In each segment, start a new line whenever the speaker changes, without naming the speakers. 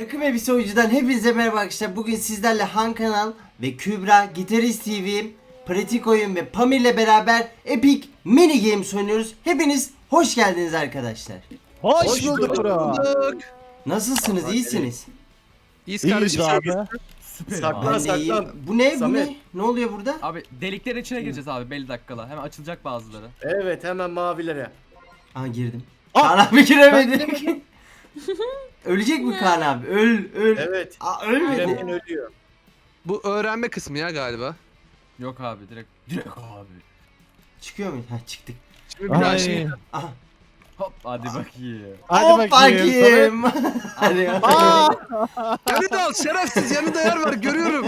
Takım Elbise Oyuncu'dan hepinize merhaba arkadaşlar. Bugün sizlerle Han Kanal ve Kübra, Gitarist TV, Pratik Oyun ve Pamir'le beraber Epic Mini Games oynuyoruz. Hepiniz hoş geldiniz arkadaşlar.
Hoş bulduk bro.
Nasılsınız? İyisiniz?
İyiyiz
İyiyiz
kardeşim.
abi.
Süper
Saklan,
abi.
Ben de iyiyim.
saklan.
Bu ne? Bu
Samet.
ne? Ne oluyor burada?
Abi deliklerin içine gireceğiz abi belli dakikala. Hemen açılacak bazıları.
Evet, hemen mavilere.
Aa girdim.
Aa!
Kaan abi giremedik. Ölecek mi Kaan abi? Öl.
Evet.
Aa ölmedi.
Giremeyen ölüyor.
Bu öğrenme kısmı ya galiba.
Yok abi direkt abi.
Çıkıyor muyuz? Ha çıktık.
Şimdi bir daha şey.
Ay.
Aha.
Hop hadi bakayım.
Hadi
Hop
bakayım.
Hadi.
Aa!
Yanında al şerefsiz, yanında yer var görüyorum.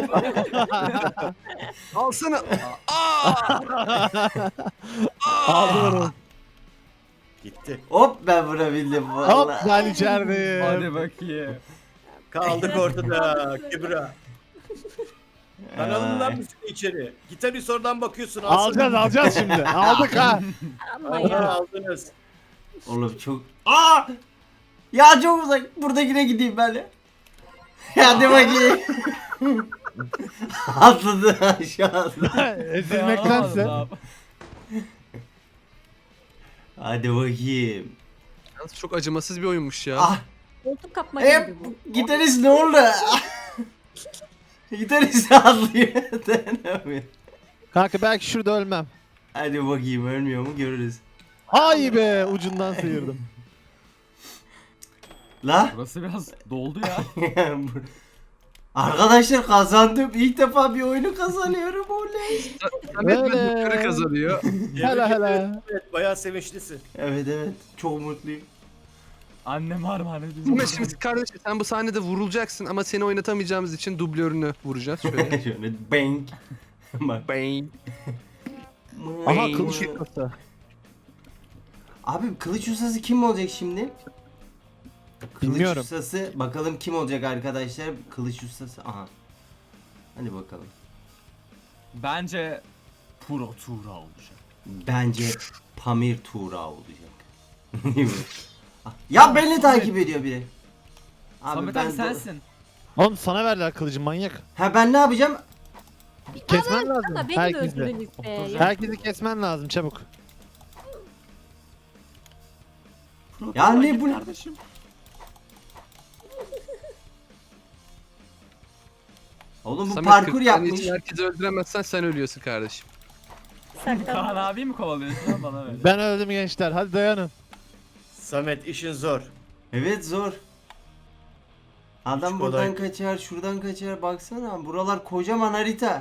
Alsana.
Aldılar onu.
Gitti.
Hop ben vurabildim
Hop
vallahi.
ben içerideyim.
Hadi bakayım.
Kaldık ortada. Kübra. Kanalından mısın içeri? Gitarist oradan bakıyorsun.
Alacağız şimdi. Aldık ha.
Ama
Aha,
ya.
aldınız.
Oğlum çok... Aa! Ya çok uzak. Buradakine gideyim ben de. Hadi bakayım. Atladı aşağıda.
Ezilmektense.
Abi.
Hadi bakayım.
Yalnız çok acımasız bir oyunmuş ya.
Ah!
Koltuk kapma
Hep
gibi bu.
gitarist ne oldu? Gitarist atlıyor. Dayanamıyor.
Kanka belki şurada ölmem.
Hadi bakayım ölmüyor mu görürüz.
Ay be ucundan sıyırdım.
La?
Burası biraz doldu ya.
Arkadaşlar kazandım. İlk defa bir oyunu kazanıyorum oley.
Samet
Öyle.
yukarı kazanıyor.
Hele hele.
Evet, bayağı sevinçlisin.
Evet çok mutluyum.
Annem armağan ediyor.
Samet şimdi kardeşim sen bu sahnede vurulacaksın ama seni oynatamayacağımız için dublörünü vuracağız şöyle.
Şöyle bang. Bak.
Bang.
Aha kılıç yıkması.
Abi kılıç ustası kim olacak şimdi? Kılıç
Bilmiyorum.
ustası bakalım kim olacak arkadaşlar? Kılıç ustası. Aha. Hadi bakalım.
Bence Pro Tura olacak.
Bence Pamir Tuğra olacak. Değil mi? Ya beni takip ediyor biri.
Samet abi sensin.
Oğlum sana verdiler kılıcı manyak.
Ha ben ne yapacağım?
Kesmen lazım.
Ama beni de
Herkesi.
öldürdünüz be. Ya.
Herkesi kesmen lazım çabuk.
Ya ne bu?
Kardeşim.
Oğlum bu
Samet
parkur
40 saniye
yapmış.
için herkesi öldüremezsen sen ölüyorsun kardeşim.
Kaan abi mi kovalıyorsun lan bana öyle?
Ben öldüm gençler. Hadi dayanın.
Samet işin zor.
Evet zor. Adam
Hiç
buradan
kolay.
kaçar, şuradan kaçar. Baksana buralar kocaman harita.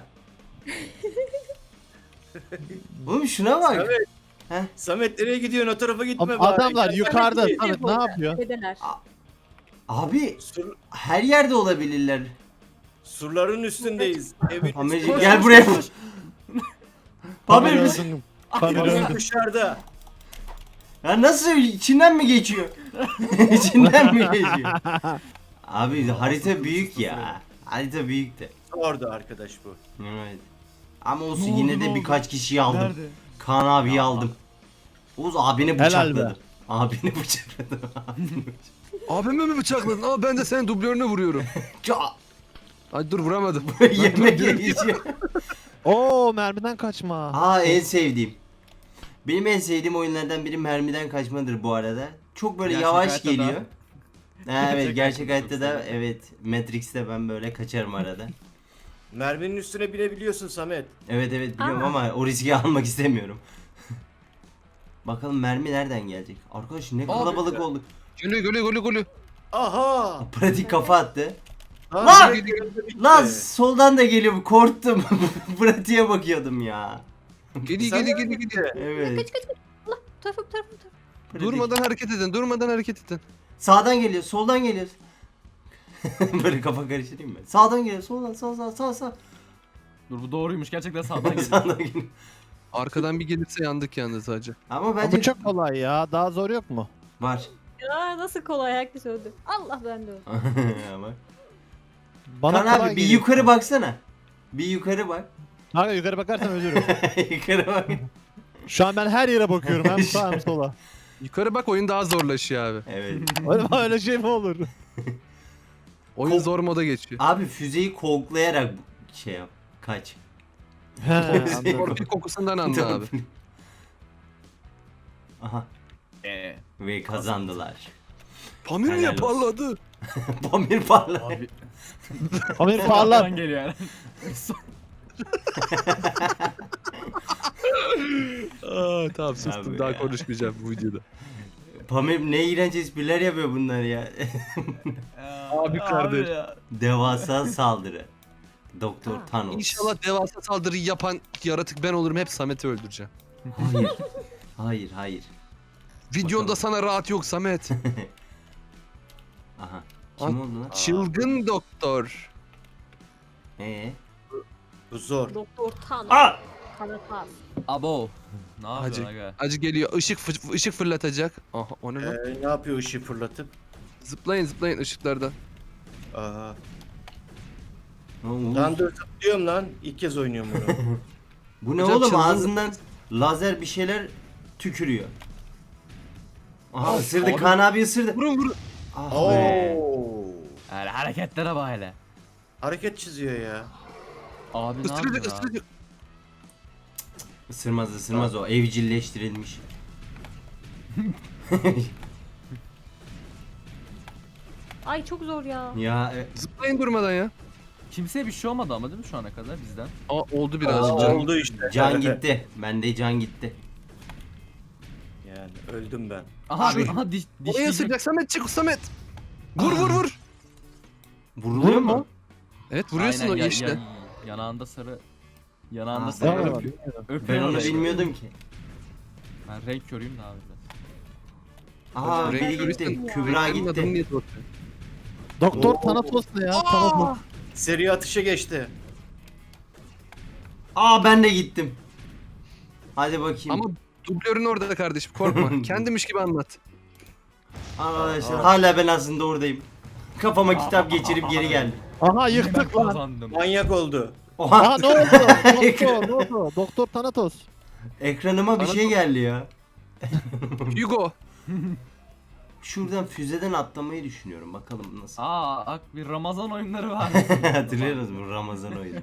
Oğlum şuna bak.
Samet.
Heh.
Samet nereye gidiyorsun? O tarafa gitme
Abi,
bari.
adamlar yukarıda.
Gel.
Samet ne yapıyor?
Dedeler.
Abi
Sur,
her yerde olabilirler.
surların üstündeyiz. Evin
Pamirci
üstünde.
gel buraya.
Pamir
Pamir
öldüm. Pamir
Pamir
öldüm.
dışarıda.
ya nasıl içinden mi geçiyor? İçinden mi geçiyor? Abi harita büyük ya. Harita büyük de.
Orada arkadaş bu.
Evet. Ama olsun
Ne oldu,
yine
ne
de
oldu?
birkaç kişiyi aldım.
Nerede?
Kaan abiyi aldım. Oğuz abini
Helal
bıçakladım.
be.
Abini bıçakladım.
Abimi mi bıçakladın? Aa ben de senin dublörünü vuruyorum.
Ça-
Ay dur vuramadım.
Yemek yiyeceğim.
Oo mermiden kaçma.
Aa en sevdiğim. Benim en sevdiğim oyunlardan biri mermiden kaçmadır bu arada. Çok böyle
Gerçek
yavaş
hayatta da.
geliyor. Ha, evet
Gerçek
gerçek
hayatta
hayatta
çok
da
severim.
evet Matrix'te ben böyle kaçarım arada.
Merminin üstüne binebiliyorsun Samet.
Evet biliyorum
Aa.
ama o riski almak istemiyorum. Bakalım mermi nereden gelecek? Arkadaş ne kalabalık olduk.
Gülü.
Aha!
Pratik kafa attı.
Lan!
Lan!
Bitti.
Lan soldan da geliyor korktum. Pratiğe bakıyordum ya.
Gidi.
Evet.
Kaç. Allah bu tarafa.
Pratik.
Durmadan hareket edin.
Sağdan geliyor, soldan geliyor. Böyle kafa karıştırayım mı? Sağdan geliyor, soldan, sağ.
Dur bu doğruymuş gerçekten sağdan geliyor.
Sağdan geliyor.
Arkadan bir gelirse yandık yalnız hacı.
Ama
Ama
bence
bu çok kolay ya. Daha zor yok mu?
var.
Ya nasıl kolay herkes öldü. Allah ben de öldüm.
Ama.
Bana
Kaan
kolay
abi bir
geliyor.
yukarı baksana. Bir yukarı bak.
Kanka yukarı bakarsam ölürüm.
Yukarı bak.
Şu an ben her yere bakıyorum. Hem sağa hem sola.
Yukarı bak oyun daha zorlaşıyor abi.
Evet.
Öyle şey mi olur?
Oyun zor moda geçiyor.
Abi füzeyi koklayarak şey yap. Kaç.
He, anladım.
Torpil kokusundan anla abi.
Aha. Ve kazandılar.
Pamir
Helal
niye
olsun.
parladı?
Pamir parladı.
Abi.
Pamir parlar.
Arkadan geliyor yani.
Aa, tamam
Abi
sustum daha
ya.
konuşmayacağım bu videoda.
Pamir ne iğrenç espriler yapıyor bunlar ya.
Abi kardeş.
ya.
Devasa saldırı. Doktor Thanos.
İnşallah devasa saldırıyı yapan yaratık ben olurum, hep Samet'i öldüreceğim.
Hayır. Hayır, hayır.
Videonda
Bakalım.
sana rahat yok Samet.
Aha. Kim oldu lan?
Çılgın doktor.
Bu zor.
Doktor Tan.
Aa!
Karatas.
Abo. Ne
Acı.
yapıyorsun aga?
Acı geliyor, ışık fırlatacak. Aha, o ne lan?
Ne yapıyor ışığı fırlatıp?
Zıplayın ışıklardan.
Aha.
Oğlum,
Lan dur zıplıyorum lan. İlk kez oynuyorum bunu.
bu ne
Hocam
oğlum?
çılgın-
Ağzından lazer bir şeyler tükürüyor. Aha
Aa,
ısırdı.
abi.
Kaan abi ısırdı.
Vurun.
Ah be.
Oo.
Yani hareketlere bak hele.
Hareket çiziyor ya.
Abi ne
Isıracak
yapıyorsun abi?
ısıracak.
Isırmaz o. Evcilleştirilmiş.
Ay çok zor ya.
Ya
Zıplayın durmadan ya.
Kimseye bir şey olmadı ama değil mi şu ana kadar bizden?
Aa, oldu birazcık
Aa,
canım.
Oldu işte.
can gitti. Bende can gitti.
Yani öldüm ben.
Aha
Abi.
aha
Oraya
dişleyecek.
ısıracak Samet, çık Samet. Vur.
Vuruluyor mu?
Evet vuruyorsun
Aynen,
o
ya-
yeşile.
ya- yanağında sarı. Yanağında
Aa,
sarı
ben
öpüyor.
Ben
Öpüyor
onu
orayı.
bilmiyordum ki.
Ben renk körüyüm de abi biraz.
Aa
Renk
biri
körüysen-
gitti. Kübra
Benim adımı
gitti.
niye sormuyorsun?
Doktor
Oo.
Thanatos ne ya? Thanatos.
Seri atışa geçti.
Aa ben de gittim. Hadi bakayım.
Ama dublörün orada kardeşim, korkma. Kendimiş gibi anlat.
Arkadaşlar hala ben aslında oradayım. Kafama kitap geçirip geri geldim.
Aha
Ben
yıktık lan.
kazandım.
Manyak oldu.
Oha
Aha ne oldu? Doktor ne oldu? Doktor Thanatos.
ekranıma bir şey geldi ya.
Hugo.
Şuradan füzeden atlamayı düşünüyorum. Bakalım nasıl.
Aa bir Ramazan oyunları var.
Hatırlıyorsunuz mu Ramazan oyunu?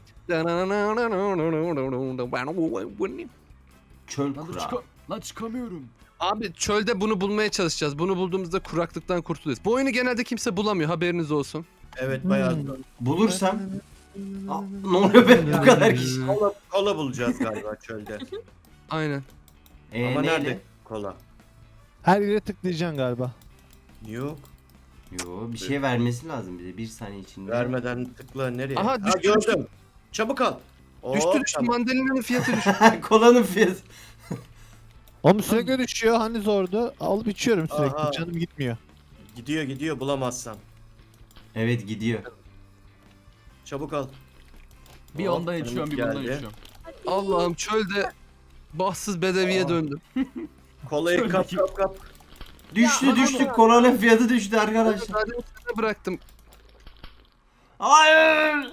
Çöl
Lan,
kura.
lan çıkamıyorum.
Abi çölde bunu bulmaya çalışacağız. Bunu bulduğumuzda kuraklıktan kurtuluyoruz. Bu oyunu genelde kimse bulamıyor, haberiniz olsun.
Evet bayağı zor.
Bulursam. Aa, ne oluyor be bu kadar kişi?
Kola bulacağız galiba çölde.
Aynen.
Ama
Neyle?
nerede kola?
Her yere tıklayacaksın galiba.
Yok.
Yo bir şey vermesi lazım bize bir saniye içinde.
Vermeden tıkla nereye?
Aha,
Ha,
düştü,
gördüm. Çabuk al. Oo,
Düştü
tamam.
mandalina'nın fiyatı düştü.
Kolanın fiyatı.
Oğlum sürekli düşüyor. Hani zordu. Alıp içiyorum sürekli.
Aha.
Canım gitmiyor.
Gidiyor bulamazsam.
Evet gidiyor.
Çabuk al.
Bir
Hop,
onda içiyorum bir
geldi.
bunda içiyorum.
Allah'ım çölde bahtsız bedeviye döndüm.
Kolayı kap kap kap.
Düştü düştü kolanın fiyatı düştü arkadaşlar.
Sadece sana bıraktım.
Hayır.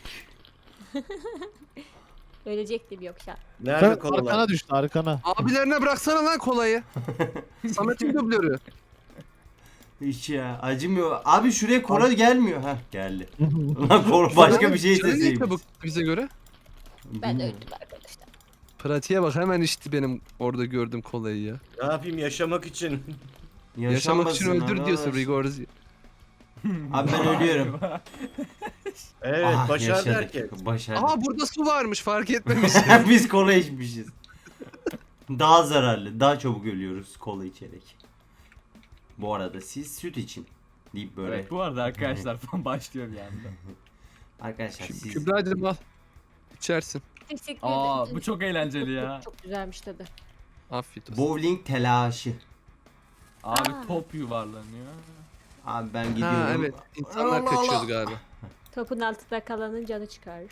Ölecektim yoksa.
Nerede
Sen
kolalar?
arkana düştü arkana.
Abilerine bıraksana lan kolayı. Samet'in dublörü.
Hiç ya acımıyor. Abi şuraya kola gelmiyor. Ha geldi. Lan kola başka bir şey
Canı niye
isteseymiş.
çabuk bize göre?
Ben
Bilmiyorum.
öldüm arkadaşlar.
Pratiğe bak, hemen içti benim orada gördüğüm kolayı ya.
Ne yapayım yaşamak için?
Yaşamak için
Yaşanmasın
öldür diyorsun
arkadaş.
Rigorzi.
Abi ben ölüyorum.
Evet
Ah,
başardı
yaşadık.
herkes.
Başardık.
Aha burada su varmış, fark etmemiş.
Biz kola içmişiz. Daha zararlı, daha çabuk ölüyoruz kola içerek. Bu arada siz süt için deyip böyle.
Evet bu arada arkadaşlar falan başlıyor bir anda.
Arkadaşlar siz
Kübra'cığım al. İçersin.
Teşekkür
Aa
ederim.
bu çok eğlenceli ya.
Çok güzelmiş tadı.
Afiyet olsun.
bowling telaşı.
Abi
Aa.
top yuvarlanıyor.
Abi ben gidiyorum.
Ha evet, insanlar
Allah Allah.
kaçıyordu galiba.
Topun altında kalanın canı çıkar.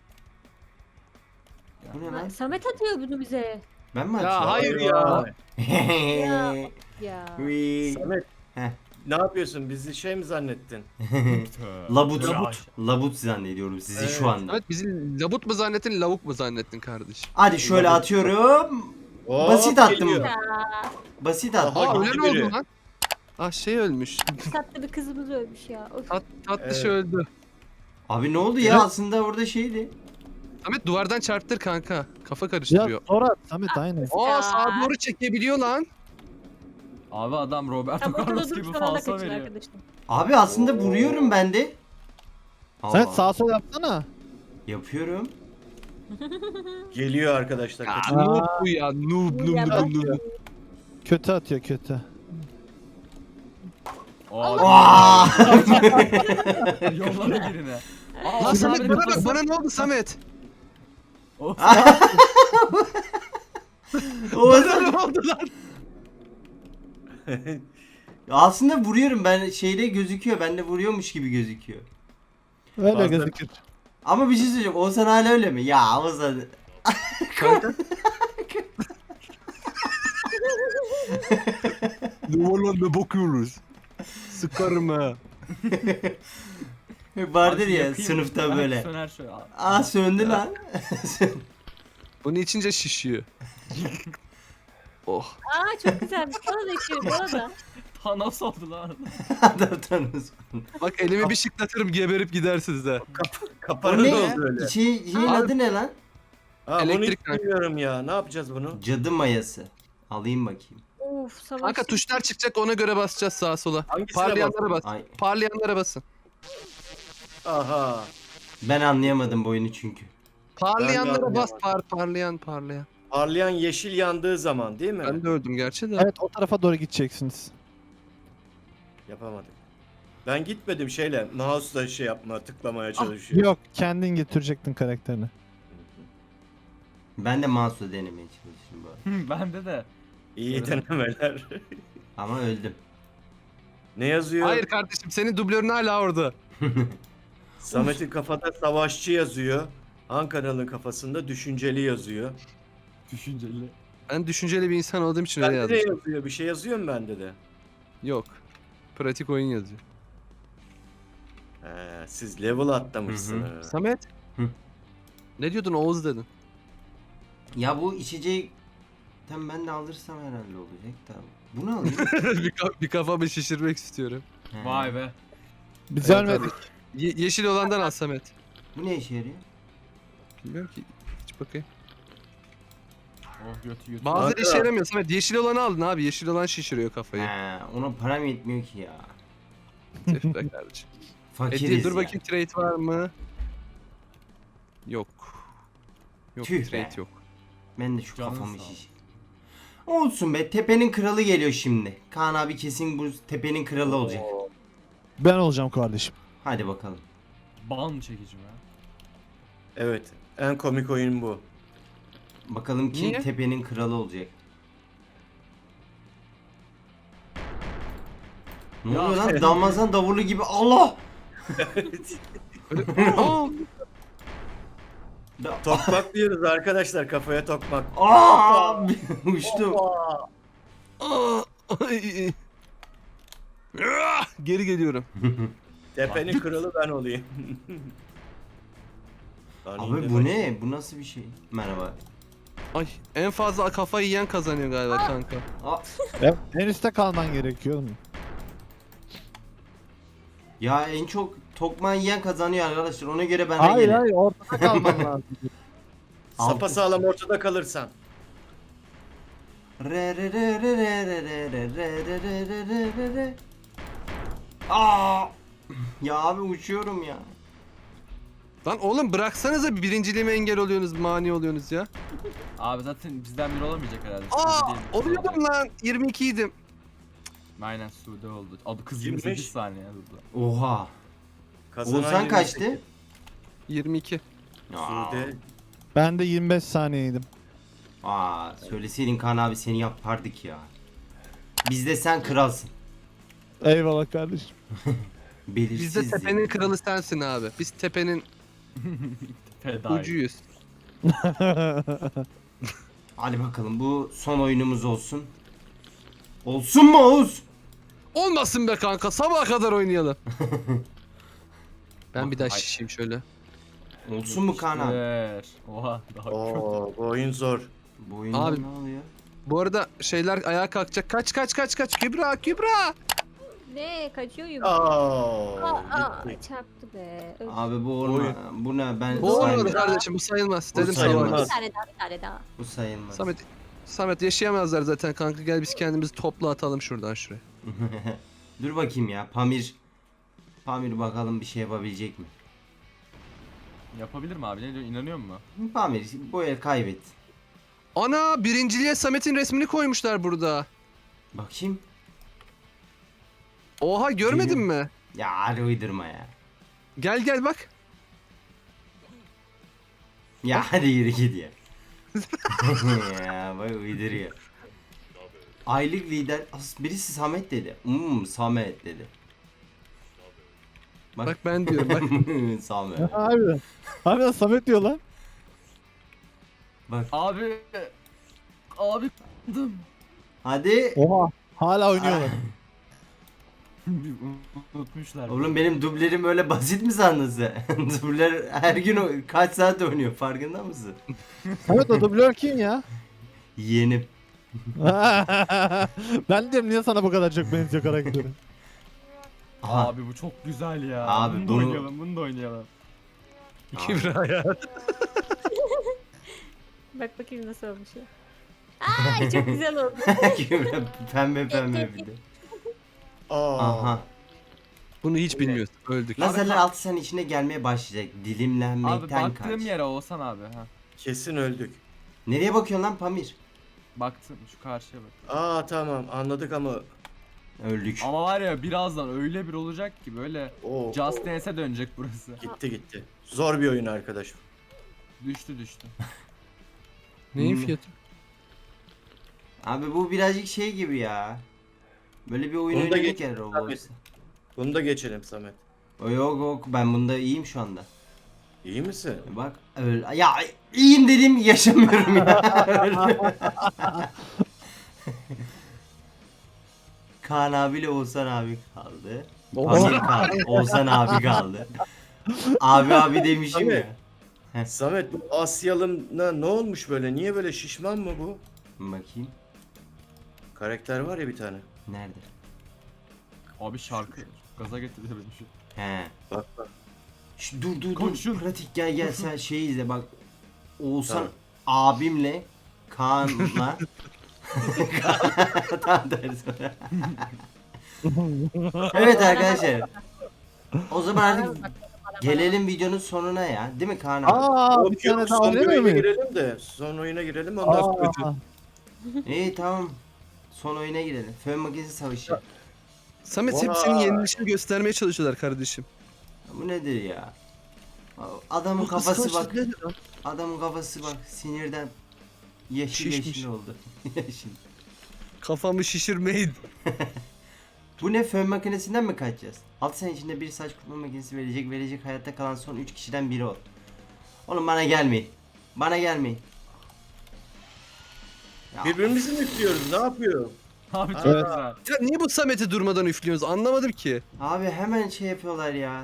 Bu ne
Ha,
lan?
Samet atıyor bunu bize.
Ben mi
Ya
açıyorum?
hayır ya.
Ya.
Wee.
Samet.
Heh.
Ne yapıyorsun? Bizi şey mi zannettin?
Labut. Labut zannediyorum sizi
Evet.
şu anda.
Evet, bizi labut mu zannettin, lavuk mu zannettin kardeşim?
Hadi şöyle
Labut.
atıyorum.
Hop,
Basit attım.
geliyor.
Basit attım.
Aha,
Aa
gitti
öyle mi
biri.
oldu lan? Ah şey ölmüş.
Tatlı bir kızımız ölmüş ya. Of.
Tatlış
Evet.
öldü.
Abi ne oldu ya
Evet.
aslında orada şeydi.
Samet duvardan çarptır kanka. Kafa
Ya
karıştırıyor.
sonra Samet aynen.
Aa sağa doğru çekebiliyor lan.
Abi adam Roberto
Tam ortada
Carlos
durup
gibi
son anda
falso
kaçın
veriyor.
arkadaşlar.
Abi aslında vuruyorum ben de.
Samet
Aa,
sağa sol yapsana.
yapıyorum.
Geliyor arkadaşlar.
Ya
kaçın.
noob bu ya. Noob
Bu
noob
ya
noob
bak.
noob.
Kötü atıyor kötü.
Aa!
Yolladı birine. Aa,
Lan Samet
abi
bana bak
kafası-
bana ne oldu Samet?
Of.
Oğuzhan,
Ne oldu lan?
aslında vuruyorum ben şeyde gözüküyor. Bende vuruyormuş gibi gözüküyor.
Öyle
Bazen-
gözükür.
Ama bir şey söyleyeceğim. Oğuzhan hala öyle mi? Ya Oğuzhan.
Kanka. Ne var lan ne bakıyoruz? Sıkarım ha.
Vardır
Abi
ya
yakayım.
sınıfta
Ben
böyle.
Söner şöyle.
Aa söndü lan.
Bunu içince şişiyor. Oh.
Aa çok güzelmiş. Bana da içiyor. Bana da.
Thanos oldu lan.
Adam tanıyorsun.
Bak elimi bir şıklatırım geberip gidersiniz de.
O
Kapanı
ne
da
ya?
oldu öyle.
Şeyin
Abi-
adı ne lan?
Ha, bunu
Elektrik
hiç bilmiyorum ya. Ne yapacağız bunu?
Cadı mayası. Alayım bakayım.
Of savaş.
Kanka tuşlar çıkacak ona göre basacağız sağa sola.
Hangisine
Parlayanlara bas.
Ay
Parlayanlara basın.
Aha.
ben anlayamadım bu oyunu çünkü.
Parlayanlara bas
anlayamadım.
parlayan.
Parlayan yeşil yandığı zaman değil mi?
Ben de öldüm gerçi de.
Evet o tarafa doğru gideceksiniz.
Yapamadık. Ben gitmedim şeyle. Mouse'la şey yapma, tıklamaya çalışıyor.
Yok kendin getirecektin karakterini.
Ben de mouse'la denemeye çalıştım bu arada.
Bende de.
İyi denemeler.
Ama öldüm.
Ne yazıyor?
Hayır kardeşim senin dublörün hala orada.
Samet'in kafada savaşçı yazıyor. Han kanalın kafasında düşünceli yazıyor.
Düşünceli.
Ben düşünceli bir insan olduğum için öyle
Bende de
yazdım.
yazıyor. Bir şey yazıyor mu bende de?
Yok. Pratik oyun yazıyor.
He, siz level atlamışsınız.
Samet.
Hı.
Ne diyordun Oğuz dedin.
Ya bu içeceği tam ben de alırsam herhalde olacak da. Bunu alayım.
bir kafamı şişirmek istiyorum.
He.
Vay be.
Biz
Evet,
ölmedik.
Yeşil olandan al Samet.
Bu ne işe yarıyor?
Bilmiyorum ki. Hiç bakayım.
Oh götü götü.
Bazıları
Kanka.
işe yaramıyor Samet. Yeşil olanı aldın abi. Yeşil olan şişiriyor kafayı.
He, ona param yetmiyor ki ya.
Tüh be kardeşim.
Fakiriz
Dur
ya.
bakayım trade var mı? Yok. Yok
Tüh
trade
be.
yok.
Ben de şu
Canın
kafamı
sağ ol.
şiş. Olsun be, tepenin kralı geliyor şimdi. Kaan abi kesin bu tepenin kralı olacak.
Ben olacağım kardeşim.
Hadi bakalım.
Ban çekici mi?
Evet. En komik oyun bu.
Bakalım kim
Niye?
tepenin kralı olacak. Ne
Ya.
oluyor lan? Damazan davulu gibi. Allah!
Aa,
Tokmak diyoruz arkadaşlar. Kafaya tokmak.
Aa! Uçtu.
aa, ay. Ah, geri geliyorum.
Tepenin kralı ben olayım. Lan
Abi
indi
bu
bak.
ne? Bu nasıl bir şey? Merhaba.
Ay en fazla kafayı yiyen kazanıyor galiba kanka.
Aa,
Evet. En üstte kalman gerekiyor oğlum.
ya en çok tokmağı yiyen kazanıyor arkadaşlar. Ona göre ben
Hayır
gelin.
hayır ortada kalman lazım.
Sapa sağlam ortada kalırsan.
Re re re re re re re re re re re re re re re. Aa! Ya abi uçuyorum ya.
Lan oğlum bıraksanıza birinciliğime engel oluyorsunuz, mani oluyorsunuz ya.
Abi zaten bizden biri olamayacak herhalde.
Aa,
Sude değil,
oluyordum lan. 22 idim.
Aynen Sude oldu. Abi kız
25.
28 saniye durdu.
Oha.
Kazanan
Oğuzhan
28.
kaçtı?
22.
Sude.
Ben de 25 saniyeydim.
Aa, söyleseydin Kaan abi seni yapardık ya. Bizde sen kralsın.
Eyvallah kardeşim.
Belirsiz.
Biz de tepenin kralı sensin abi. Biz tepenin
Feda.
ucuyuz.
Hadi bakalım bu son oyunumuz olsun. Olsun mu Oğuz?
Olmasın be kanka. Sabaha kadar oynayalım. Ben bir daha
Ay.
şişeyim şöyle.
Olsun mu Kaan abi?
Ver. Oha daha
Oo, bu oyun zor.
Bu oyunda
Abi-
ne oluyor?
Bu arada şeyler ayağa kalkacak. Kaç. Kübra.
Ne kaçıyor
Aa, gitti.
çarptı be. Öf.
Abi bu olma. Bu ne? Ben
Bu olmadı
saymıyorum.
kardeşim bu sayılmaz.
Bu
Dedim sana
sayılmaz.
olmaz.
Bir tane daha bir tane daha.
Bu sayılmaz.
Samet yaşayamazlar zaten kanka, gel biz kendimizi topla atalım şuradan şuraya.
Dur bakayım ya. Pamir. Pamir bakalım bir şey yapabilecek mi?
Yapabilir mi abi? Ne diyor? İnanıyor musun?
Pamir bu el kaybet.
Ana, birinciliğe Samet'in resmini koymuşlar burada.
Bakayım.
Oha, görmedin mi?
Ya hadi uydurma ya.
Gel bak.
Ya hadi yürü git ya. Ya bak uyduruyor. Aylık lider birisi Samet dedi. Samet dedi.
Bak ben diyorum bak.
Samet.
Abi. Abi Samet diyor lan.
Bak
Abi. Abi k***dım.
hadi.
Oha. Hala oynuyorlar.
Unutmuşlar.
Oğlum benim dublerim öyle basit mi sandın sen? Dubler her gün kaç saat oynuyor farkında mısın?
Samet o dublör kim ya?
Yeğenim.
Ben diyorum niye sana bu kadar çok benziyor karakteri?
Aha.
Abi bu çok güzel ya.
Abi
bunu da
bunu-
oynayalım, bunu da oynayalım.
Kübra ya.
Bak bakayım nasıl olmuş ya. Ay çok güzel oldu.
Pembe pembe bir de.
Aa.
Aha.
Bunu hiç bilmiyorsun. Öldük.
Lazerler 6 saniye içinde gelmeye başlayacak.
Abi
Dilimlenmekten
baktığım
kaç.
yere Oğuzhan abi. Ha.
Kesin öldük.
Nereye bakıyorsun lan Pamir?
Baktım şu karşıya bak.
Aa tamam anladık ama
Öldük.
Ama var ya birazdan öyle bir olacak ki böyle
o
Just Dance'e dönecek burası.
gitti. Zor bir oyun arkadaş.
Düştü.
Neyin
Hmm.
fiyatı?
Abi bu birazcık şey gibi ya. Böyle bir oyun
Onu da
oynadık
geç-
ya Roblox'ta.
Bunu da geçelim Samet.
Yok ben bunda iyiyim şu anda.
İyi misin?
Bak öyle ya iyiyim dediğim gibi yaşamıyorum ya. Kaan abiyle Oğuzhan abi kaldı. Pamir kaldı. Oğuzhan abi kaldı. Abi demişim
Abi.
ya.
Samet bu Asyalım'la ne olmuş böyle? Niye böyle şişman mı bu?
Bakayım.
Karakter var ya bir tane.
Nerede?
Abi şarkı gaza getirdi beni şu.
He.
Bak bak.
Dur
Koşun.
pratik gel sen şeyi izle bak. Oğuzhan
Tamam.
abimle Kaan'la tam tersi. Evet arkadaşlar. O zaman artık gelelim videonun sonuna ya. Değil mi Kaan abi?
Aa bir tane daha
son
oynamıyor
oyuna
muyuz?
girelim de. Son oyuna girelim ondan sonra.
Aa,
İyi tamam. Son oyuna girelim. Fön makinesi savaşı.
Samet hep
Oha.
senin yenilişini göstermeye çalışıyorlar kardeşim.
Bu nedir ya? Adamın kafası bak. Adamın kafası bak sinirden yeşil
Şişmiş.
yeşil oldu. Yeşil.
Kafamı şişirmeyin.
Bu ne fön makinesinden mi kaçacağız? 6 sene içinde bir saç kurutma makinesi verecek hayatta kalan son 3 kişiden biri ol. Oğlum bana gelmeyin. Bana gelmeyin. Ya,
Birbirimizi mi istiyoruz? Ne yapıyor?
Abi çok
Evet.
güzel.
Ya niye bu Samet'i durmadan üflüyorsunuz? Anlamadım ki.
abi hemen şey yapıyorlar ya.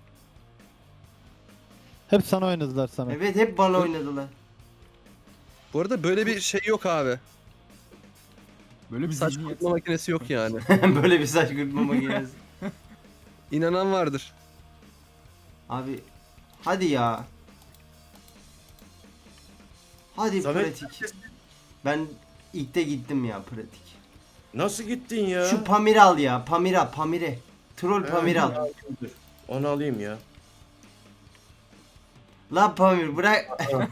hep sana oynadılar Samet.
Evet hep bana oynadılar.
Bu arada böyle bir şey yok abi.
Böyle bir
Saç
zihniyet.
kurutma makinesi yok yani.
Böyle bir saç kurutma makinesi.
İnanan vardır.
Abi hadi ya. Hadi
Samet
pratik. Ben ilk de gittim ya pratik.
nasıl gittin ya?
Şu Pamir al ya. Pamire. Troll Pamir al.
Onu alayım ya.
La Pamir bırak.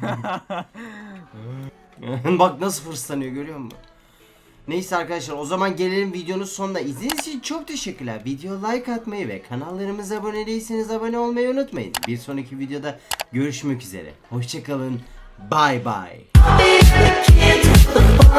Bak nasıl fırsatlanıyor görüyor musun? Neyse arkadaşlar o zaman gelelim videonun sonuna. İzlediğiniz için çok teşekkürler. Video like atmayı ve kanallarımıza abone değilseniz abone olmayı unutmayın. Bir sonraki videoda görüşmek üzere. Hoşçakalın. Bye bye.